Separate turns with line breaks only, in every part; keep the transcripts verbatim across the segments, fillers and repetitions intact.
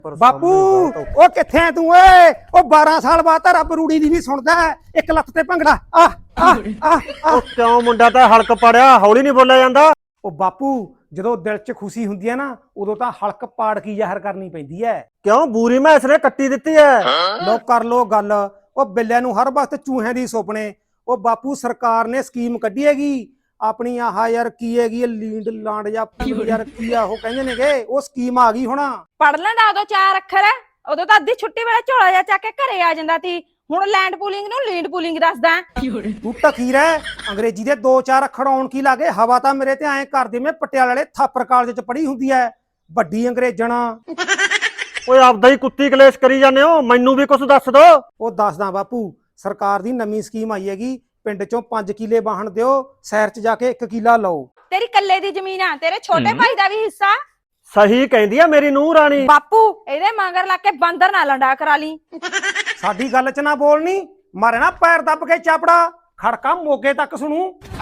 ਬਾਪੂ ਉਹ ਕਿੱਥੇ ਐ ਤੂੰ ਓਏ ਉਹ ਬਾਰਾਂ ਸਾਲ ਬਾਅਦ ਤਾਂ ਰੱਬ ਰੂੜੀ ਦੀ ਵੀ ਸੁਣਦਾ ਇੱਕ ਲੱਤ ਤੇ ਭੰਗੜਾ ਆ ਆ ਆ
ਉਹ ਕਿਉਂ ਮੁੰਡਾ ਤਾਂ ਹਲਕ ਪੜਿਆ ਹੌਲੀ ਨਹੀਂ ਬੋਲਿਆ ਜਾਂਦਾ।
ਉਹ ਬਾਪੂ ਜਦੋਂ ਦਿਲ 'ਚ ਖੁਸ਼ੀ ਹੁੰਦੀ ਹੈ ਨਾ ਉਦੋਂ ਤਾਂ ਹਲਕ ਪਾੜ ਕੀ ਜ਼ਾਹਰ ਕਰਨੀ ਪੈਂਦੀ ਹੈ।
ਕਿਉਂ ਬੂਰੀ ਮੈਸ ਨੇ ਕੱਟੀ ਦਿੱਤੀ ਐ।
ਲੋ ਕਰ ਲੋ ਗੱਲ ਉਹ ਬਿੱਲਿਆਂ ਨੂੰ ਹਰ ਵਕਤ ਚੂਹਿਆਂ ਦੀ ਸੁਪਨੇ। ਉਹ ਬਾਪੂ ਸਰਕਾਰ ਨੇ ਸਕੀਮ ਕੱਢੀ ਹੈਗੀ ਆਪਣੀ ਆਹ ਯਾਰ ਕੀ ਹੈਗੀ ਲੀਂਡ ਲਾਂਡ ਜਾਂ ਯਾਰ ਕੀ ਆ ਉਹ ਕਹਿੰਦੇ ਨੇਗੇ ਉਹ ਸਕੀਮ ਆ ਗਈ ਹੁਣ।
ਪੜ ਲੈਂਦਾ ਉਦੋਂ ਚਾਰ ਅੱਖਰ ਉਦੋਂ ਤਾਂ ਅੱਧੀ ਛੁੱਟੀ ਵੇਲੇ ਝੋਲਾ ਜਿਹਾ ਚੱਕ ਕੇ ਘਰੇ ਆ ਜਾਂਦਾ ਸੀ। ਹੁਣ ਲੈਂਡ ਪੂਲਿੰਗ ਨੂੰ ਲੀਡ ਪੂਲਿੰਗ ਦੱਸਦਾ।
ਤੂੰ ਟਕੀਰ ਹੈ ਅੰਗਰੇਜ਼ੀ ਦੇ ਦੋ ਚਾਰ ਅੱਖਰ ਆਉਣ ਕੀ ਲਾਗੇ ਹਵਾ ਤਾਂ ਮੇਰੇ ਤੇ ਐਂ ਕਰਦੇ ਮੈਂ ਪਟਿਆਲੇ ਵਾਲੇ ਥਾਪਰ ਕਾਲਜ ਚ ਪੜ੍ਹੀ ਹੁੰਦੀ ਹੈ ਵੱਡੀ ਅੰਗਰੇਜ਼ਣ।
ਓਏ ਆਪਦਾ ਹੀ ਕੁੱਤੀ ਕਲੇਸ਼ ਕਰੀ ਜਾਂਦੇ ਹੋ ਮੈਨੂੰ ਵੀ ਕੁਝ ਦੱਸ ਦੋ।
ਉਹ ਦੱਸਦਾ ਬਾਪੂ ਸਰਕਾਰ ਦੀ ਨਵੀਂ ਸਕੀਮ ਆਈ ਹੈਗੀ ਪਿੰਡ ਚੋਂ ਪੰਜ ਕਿੱਲੇ ਵਾਹਣ ਦਿਓ ਸ਼ਹਿਰ ਚ ਜਾ ਕੇ ਇੱਕ ਕਿੱਲਾ ਲਓ।
ਤੇਰੀ ਕੱਲੇ ਦੀ ਜ਼ਮੀਨ ਆ ਤੇਰੇ ਛੋਟੇ ਭਾਈ ਦਾ ਵੀ ਹਿੱਸਾ।
ਸਹੀ ਕਹਿੰਦੀ ਆ ਮੇਰੀ ਨੂੰਹ ਰਾਣੀ।
ਬਾਪੂ ਇਹਦੇ ਮਗਰ ਲੱਗ ਕੇ ਬਾਂਦਰ ਨਾ ਲੰਡਾ ਕਰਾ ਲਈ।
ਸਾਡੀ ਗੱਲ ਚ ਨਾ ਬੋਲਣੀ ਮਾਰੇ ਨਾ ਪੈਰ ਦੱਬ ਕੇ ਚਾਪੜਾ ਖੜਕਾ ਮੋਗੇ ਤੱਕ ਸੁਣੂ।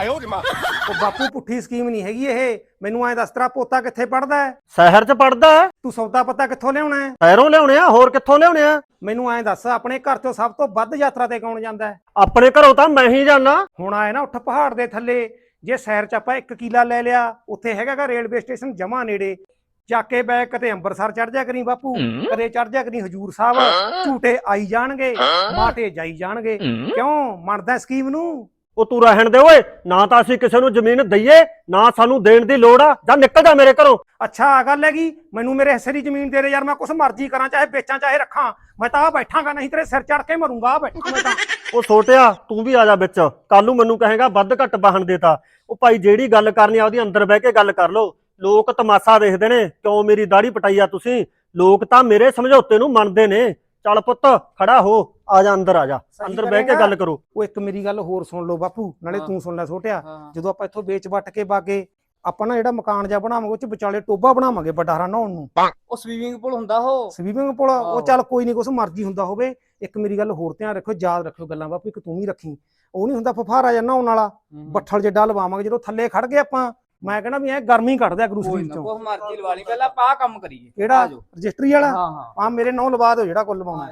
ਉਹ ਬਾਪੂ ਪੁੱਠੀ ਸਕੀਮ ਨਹੀਂ ਹੈਗੀ ਇਹ। ਮੈਨੂੰ ਐਂ ਦੱਸ ਤੇਰਾ ਪੋਤਾ ਕਿੱਥੇ ਪੜਦਾ ਹੈ?
ਸ਼ਹਿਰ ਚ ਪੜਦਾ।
ਤੂੰ ਸੌਦਾ ਪੱਤਾ ਕਿੱਥੋਂ ਲਿਆਉਣਾ ਹੈ?
ਸ਼ਹਿਰੋਂ ਲਿਆਉਣੇ ਆ ਹੋਰ ਕਿੱਥੋਂ ਲਿਆਉਣੇ ਆ?
ਮੈਨੂੰ ਐਂ ਦੱਸ ਆਪਣੇ ਘਰ ਚੋਂ ਸਭ ਤੋਂ ਵੱਧ ਯਾਤਰਾ ਤੇ ਕੌਣ ਜਾਂਦਾ ਹੈ?
ਆਪਣੇ ਘਰੋਂ ਤਾਂ ਮੈਂ ਹੀ ਜਾਣਾ।
ਹੁਣ ਆਏ ਨਾ ਉੱਠ ਪਹਾੜ ਦੇ ਥੱਲੇ ਜੇ ਸ਼ਹਿਰ ਚ ਆਪਾਂ ਇੱਕ ਕਿੱਲਾ ਲੈ ਲਿਆ ਉੱਥੇ ਹੈਗਾ ਰੇਲਵੇ ਸਟੇਸ਼ਨ ਜਮਾ ਨੇੜੇ ਚੱਕ ਕੇ ਬੈ ਕਦੇ ਅੰਮ੍ਰਿਤਸਰ ਚੜ ਜਾ ਕਰੀ ਬਾਪੂ ਕਦੇ ਚੜ ਜਾ ਕਰੀ ਹਜੂਰ ਸਾਹਿਬ ਝੂਟੇ ਆਈ ਜਾਣਗੇ ਮਾਟੇ ਜਾਈ ਜਾਣਗੇ। ਕਿਉਂ ਮੰਨਦਾ ਸਕੀਮ ਨੂੰ?
ਉਹ ਤੂੰ ਰਹਿਣ ਦੇ ਓਏ ਨਾ ਤਾਂ ਅਸੀਂ ਕਿਸੇ ਨੂੰ ਜ਼ਮੀਨ ਦਈਏ ਨਾ ਸਾਨੂੰ ਦੇਣ ਦੀ ਲੋੜ ਆ। ਜਾਂ ਨਿਕਲ ਜਾ ਮੇਰੇ ਘਰੋਂ।
ਅੱਛਾ ਆ ਗੱਲ ਹੈਗੀ ਮੈਨੂੰ ਮੇਰੇ ਹਿੱਸੇ ਦੀ ਜ਼ਮੀਨ ਦੇ ਦੇ ਯਾਰ ਮੈਂ ਕੁਛ ਮਰਜ਼ੀ ਕਰਾਂ ਚਾਹੇ ਵੇਚਾਂ ਚਾਹੇ ਰੱਖਾਂ ਮੈਂ ਤਾਂ ਆ ਬੈਠਾਂਗਾ ਨਹੀਂ ਤੇਰੇ ਸਿਰ ਚੜ ਕੇ ਮਰੂੰਗਾ। ਆ ਬੈਠਾ ਮੈਂ ਤਾਂ।
ਉਹ ਛੋਟਿਆ ਤੂੰ ਵੀ ਆ ਜਾ ਵਿੱਚ ਕੱਲ ਨੂੰ ਮੈਨੂੰ ਕਹੇਗਾ ਵੱਧ ਘੱਟ ਵਾਹਣ ਦੇਤਾ। ਉਹ ਭਾਈ ਜਿਹੜੀ ਗੱਲ ਕਰਨੀ ਆ ਉਹਦੀ ਅੰਦਰ ਬਹਿ ਕੇ ਗੱਲ ਕਰ ਲੋ। ਲੋਕ ਤਮਾਸ਼ਾ ਦੇਖਦੇ ਨੇ ਕਿਉਂ ਮੇਰੀ ਦਾੜੀ ਪਟਾਈ ਆ ਤੁਸੀਂ। ਲੋਕ ਤਾਂ ਮੇਰੇ ਸਮਝੌਤੇ ਨੂੰ ਮੰਨਦੇ ਨੇ। ਚੱਲ ਪੁੱਤ ਖੜਾ ਹੋ ਆ ਜਾ ਅੰਦਰ ਆ ਜਾ ਅੰਦਰ ਬਹਿ ਕੇ ਗੱਲ ਕਰੋ।
ਉਹ ਇੱਕ ਮੇਰੀ ਗੱਲ ਹੋਰ ਸੁਣ ਲਓ ਬਾਪੂ ਨਾਲੇ ਤੂੰ ਸੁਣ ਲੈ ਛੋਟਿਆ ਜਦੋਂ ਆਪਾਂ ਇੱਥੋਂ ਵੇਚ ਵੱਟ ਕੇ ਬਾਗੇ ਆਪਾਂ ਨਾ ਜਿਹੜਾ ਮਕਾਨ ਜਿਹਾ ਬਣਾਵਾਂਗੇ ਉਹ ਚ ਵਿਚਾਲੇ ਟੋਬਾ ਬਣਾਵਾਂਗੇ ਵੱਡਾ ਨਹਾਉਣ ਨੂੰ।
ਉਹ ਸਵੀਮਿੰਗ ਪੂਲ ਹੁੰਦਾ ਉਹ
ਸਵੀਮਿੰਗ ਪੂਲ ਉਹ ਚੱਲ ਕੋਈ ਨਹੀਂ ਕੁਛ ਮਰਜ਼ੀ ਹੁੰਦਾ ਹੋਵੇ। ਇੱਕ ਮੇਰੀ ਗੱਲ ਹੋਰ ਧਿਆਨ ਰੱਖਿਓ ਯਾਦ ਰੱਖਿਓ ਗੱਲਾਂ ਬਾਪੂ ਇੱਕ ਤੂੰ ਵੀ ਰੱਖੀ। ਉਹ ਨਹੀਂ ਹੁੰਦਾ ਫਫਾਰਾ ਜਾਂ ਨਹਾਉਣ ਵਾਲਾ ਬੱਠਲ ਜਿੱਡਾ ਲਵਾਵਾਂਗੇ ਜਦੋਂ ਥੱਲੇ ਖੜ ਗਏ ਆਪਾਂ ਮੈਂ ਕਹਿੰਦਾ ਵੀ ਐ ਗਰਮੀ ਕੱਢ ਦਿਆ ਕਰੂ ਸਰੀਰ ਚੋਂ।
ਉਹ ਮਰਜ਼ੀ ਲਵਾ ਲਈ ਪਹਿਲਾਂ ਆਪਾਂ ਆਹ ਕੰਮ ਕਰੀਏ।
ਕਿਹੜਾ ਰਜਿਸਟਰੀ ਵਾਲਾ?
ਹਾਂ ਹਾਂ
ਆ ਮੇਰੇ ਨਾਂ ਲਵਾ ਦਿਓ ਜਿਹੜਾ ਕੁੱਲ ਲਵਾਉਣਾ।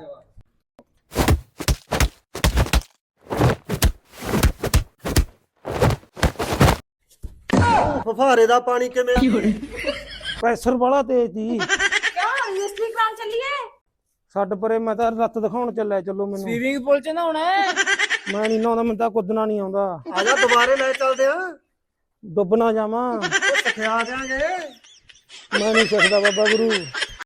ਫਫਾਰੇ ਦਾ ਪਾਣੀ ਕਿਵੇਂ?
ਪ੍ਰੈਸ਼ਰ ਵਾਲਾ ਤੇਜ਼ ਦੀ
ਕਿਉਂ ਰਜਿਸਟਰੀ ਕਰਾਉਣ ਚੱਲੀਏ?
ਛੱਡ ਪਰੇ ਮੈਂ ਤਾਂ ਰੱਤ ਦਿਖਾਉਣ ਚੱਲਿਆ ਚਲੋ ਮੈਨੂੰ।
ਸਵੀਮਿੰਗ ਪੂਲ ਚ ਨਹਾਉਣਾ ਹੈ।
ਮੈਂ ਨਹੀਂ ਨਹਾਉਂਦਾ ਮੈਨੂੰ ਤਾਂ ਕੁੱਦਣਾ ਨਹੀਂ ਆਉਂਦਾ।
ਆ ਜਾ ਦੁਬਾਰੇ ਲੈ ਚੱਲਦੇ ਆ।
ਡੁੱਬ ਨਾ ਜਾਵਾਂ
ਸਿਖਾ ਦਿਆਂਗੇ।
ਮੈਂ ਨਹੀਂ ਸਿੱਖਦਾ ਬਾਬਾ ਗੁਰੂ।